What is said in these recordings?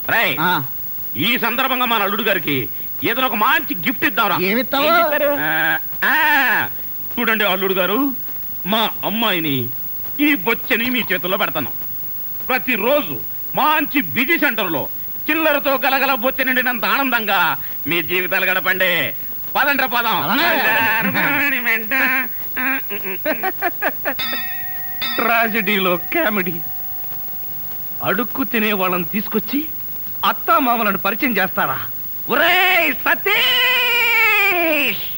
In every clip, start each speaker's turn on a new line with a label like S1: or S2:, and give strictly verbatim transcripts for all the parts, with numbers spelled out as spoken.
S1: రై ఈ సందర్భంగా మన అల్లుడు గారికి ఏదైనా ఒక మంచి గిఫ్ట్ ఇద్దాం.
S2: ఏమిస్తావు?
S1: చూడండి అల్లుడు గారు, మా అమ్మాయిని ఈ బొచ్చని మీ చేతుల్లో పెడతాను. ప్రతిరోజు మంచి బిజీ సెంటర్ లో చిల్లరతో గలగల బొచ్చ నిండినంత ఆనందంగా మీ జీవితాలు గడపండి. పదండ్ర పదం. ట్రాజడీలో కామెడీ. అడుక్కు తినే వాళ్ళని తీసుకొచ్చి అత్తా మామలను పరిచయం చేస్తారా? ఒరేయ్ సతీష్!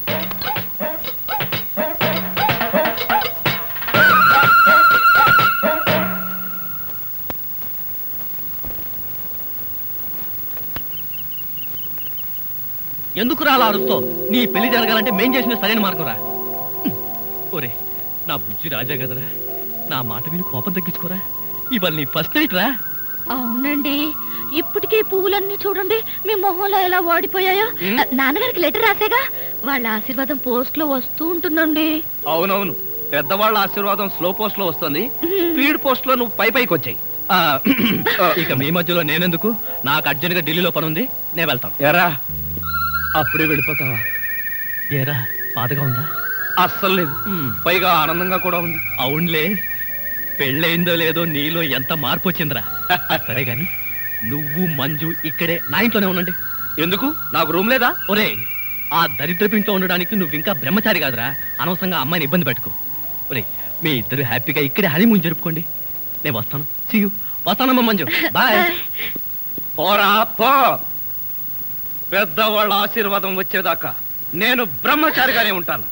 S2: ఎందుకు రాలా అరుస్తో? నీ పెళ్లి జరగాలంటే మేం చేసిన సరైన మార్గం రా. ఒరే నా బుజ్జి రాజా కదరా, నా మాట విని కోపం తగ్గించుకోరా. ఇవాళ నీ ఫస్ట్ నైట్ రా.
S3: అవునండి, ఇప్పటికే పువ్వులన్నీ చూడండి మీ మొహంలో ఎలా వాడిపోయాయో. నాన్నగారికి లెటర్ రాసేగా, వాళ్ళ ఆశీర్వాదం పోస్ట్ లో వస్తూ ఉంటుందండి.
S2: అవునవును, పెద్దవాళ్ళ ఆశీర్వాదం స్లో పోస్ట్ లో వస్తుంది, స్పీడ్ పోస్ట్ లో నువ్వు పై పైకి వచ్చాయి. ఇక మీ మధ్యలో నేనెందుకు? నాకు అర్జెంట్ గా ఢిల్లీలో పని ఉంది, నేను వెళ్తాను.
S1: ఎరా అప్పుడే వెళ్ళిపోతావా?
S2: ఏరా బాధగా ఉందా?
S1: అస్సలు లేదు, పైగా ఆనందంగా కూడా ఉంది.
S2: అవునులే, పెళ్ళయిందో లేదో నీలో ఎంత మార్పు వచ్చిందిరా. సరే గాని నువ్వు మంజు ఇక్కడే నా ఇంట్లోనే ఉండండి.
S1: ఎందుకు? నాకు రూమ్ లేదా?
S2: ఒరే ఆ దరిద్రపు ఇంట్లో ఉండడానికి నువ్వు ఇంకా బ్రహ్మచారి కాదురా, అనవసరంగా అమ్మాయిని ఇబ్బంది పెట్టుకో. ఒరే మీ ఇద్దరు హ్యాపీగా ఇక్కడే హనీమూన్ జరుపుకోండి. నేను వస్తాను. See you. వస్తానమ్మా మంజు, బాయ్.
S1: పోరా పో. పెద్దవాళ్ళ ఆశీర్వాదం వచ్చేదాకా నేను బ్రహ్మచారిగానే ఉంటాను.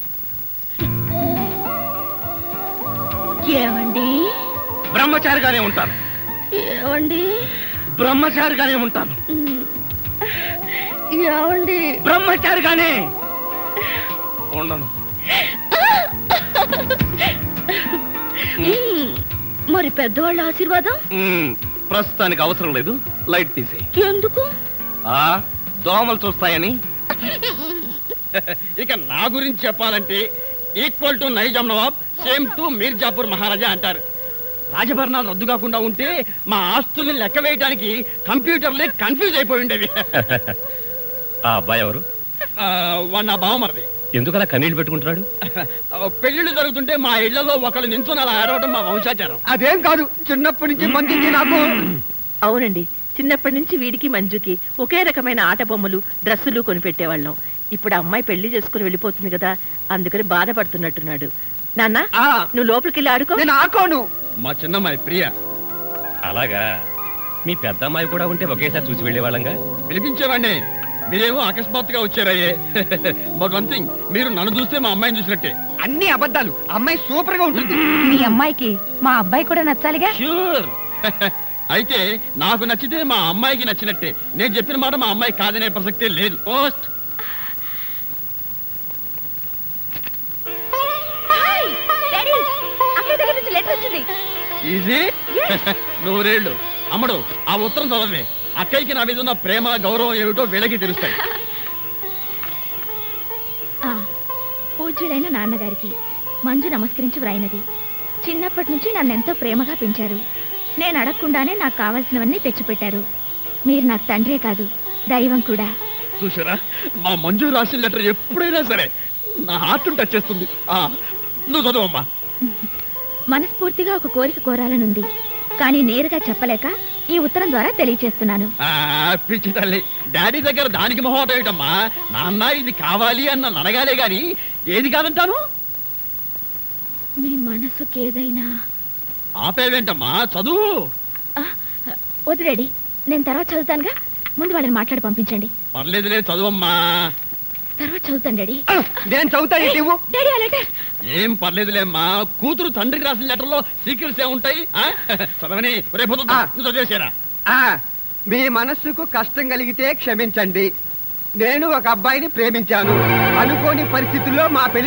S3: ఏమండి?
S1: బ్రహ్మచారిగానే ఉంటాను.
S3: ఏమండి?
S1: బ్రహ్మచారిగానే ఉంటాను.
S3: ఏమండి?
S1: బ్రహ్మచారిగానే ఉండను.
S3: మరి పెద్దవాళ్ళ ఆశీర్వాదం
S1: ప్రస్తుతానికి అవసరం లేదు, లైట్ తీసేయి.
S3: ఎందుకు?
S1: ఆ దోమలు చూస్తాయని. ఇక నా గురించి చెప్పాలంటే equal to Nizam Nawab, same to Mirzapur Maharaja అంటారు. రాజభరణాలు రద్దు కాకుండా ఉంటే మా ఆస్తుల్ని లెక్క వేయడానికి కంప్యూటర్లే కన్ఫ్యూజ్ అయిపోయి ఉండేవి.
S2: ఆ అబ్బాయి ఎవరు?
S1: వాడు నా బావమరిది.
S2: ఎందుకలా కన్నీళ్ళు పెట్టుకుంటున్నాడు?
S1: పెళ్లిళ్ళు జరుగుతుంటే మా ఇళ్లలో ఒకళ్ళు నించుని అలా ఆడవడం మా వంశాచారం.
S4: అదేం కాదు, చిన్నప్పటి నుంచి మంచిది నాకు.
S5: అవునండి, చిన్నప్పటి నుంచి వీడికి మంజుకి ఒకే రకమైన ఆట బొమ్మలు డ్రెస్సులు కొనిపెట్టేవాళ్ళం. ఇప్పుడు అమ్మాయి పెళ్లి చేసుకుని వెళ్ళిపోతుంది కదా, అందుకని బాధపడుతున్నట్టున్నాడు. నాన్న నువ్వు లోపలికి వెళ్ళి ఆడుకో.
S4: నేను ఆకోను.
S1: మా చిన్నమ్మాయి ప్రియ.
S2: అలాగా, మీ పెద్ద అమ్మాయి కూడా ఉంటే ఒకేసారి చూసి వెళ్ళేవాళ్ళంగా.
S1: పిలిపించేవాడిని, మీరేమో అకస్మాత్తుగా వచ్చారయ్యే. బట్ వన్ థింగ్, మీరు నన్ను చూస్తే మా అమ్మాయిని చూసినట్టే.
S4: అన్ని అబద్ధాలు. అమ్మాయి సూపర్ గా ఉంటుంది.
S3: మీ అమ్మాయికి మా అబ్బాయి కూడా నచ్చాలిగా.
S1: ష్యూర్. అయితే నాకు నచ్చితే మా అమ్మాయికి నచ్చినట్టే. నేను చెప్పిన మాట మా అమ్మాయి కాదనే ప్రసక్తే లేదు. పోస్ట్. ఈజీ. నూరేళ్ళు. అమ్మడు ఆ ఉత్తరం చదవే. అక్కయ్యకి నా మీద ఉన్న ప్రేమ గౌరవం ఏమిటో వీళ్ళకి తెలుస్తాయి.
S3: పూజ్యులైన నాన్నగారికి మంజు నమస్కరించి వ్రాయినది. చిన్నప్పటి నుంచి నన్నెంతో ప్రేమగా పెంచారు. నేను అడగకుండానే నాకు కావాల్సినవన్నీ తెచ్చిపెట్టారు. మీరు నాకు తండ్రే కాదు, దైవం కూడా.
S1: చూసారా, మా మంజు రాసిన లెటర్ ఎప్పుడైనా సరే నా హార్ట్ టచ్ చేస్తుంది. నువ్వు చదువమ్మా.
S3: మనస్ఫూర్తిగా ఒక కోరిక కోరాలనుంది, కానీ నేరుగా చెప్పలేక ఈ ఉత్తరం ద్వారా తెలియచేస్తున్నాను.
S1: పిచ్చి తల్లి, డాడీ దగ్గర దానికి మొహమాట ఏమిటమ్మా? నాన్న ఇది కావాలి అన్న నడగాలే గాని ఏది కాదంటాను.
S3: మీ మనసుకి ఏదైనా.
S1: ఆపేవేంటమ్మా, చదువు.
S3: వద్దు డాడీ, నేను తర్వాత చదువుతానుగా, ముందు వాళ్ళని మాట్లాడి పంపించండి.
S1: పర్లేదులే, చదువమ్మా.
S3: తర్వాత చదువుతాను డాడీ.
S4: నేను చదువుతాను.
S3: డాడీ ఆ లెటర్.
S1: ఏం పర్లేదులేమ్మా, కూతురు తండ్రికి రాసిన లెటర్లో సీక్రెట్స్ ఏముంటాయి? చదవని చదివేసారా?
S4: మీ మనస్సుకు కష్టం కలిగితే క్షమించండి. నేను ఒక అబ్బాయిని ప్రేమించాను. అనుకోని పరిస్థితుల్లో మా పెళ్లి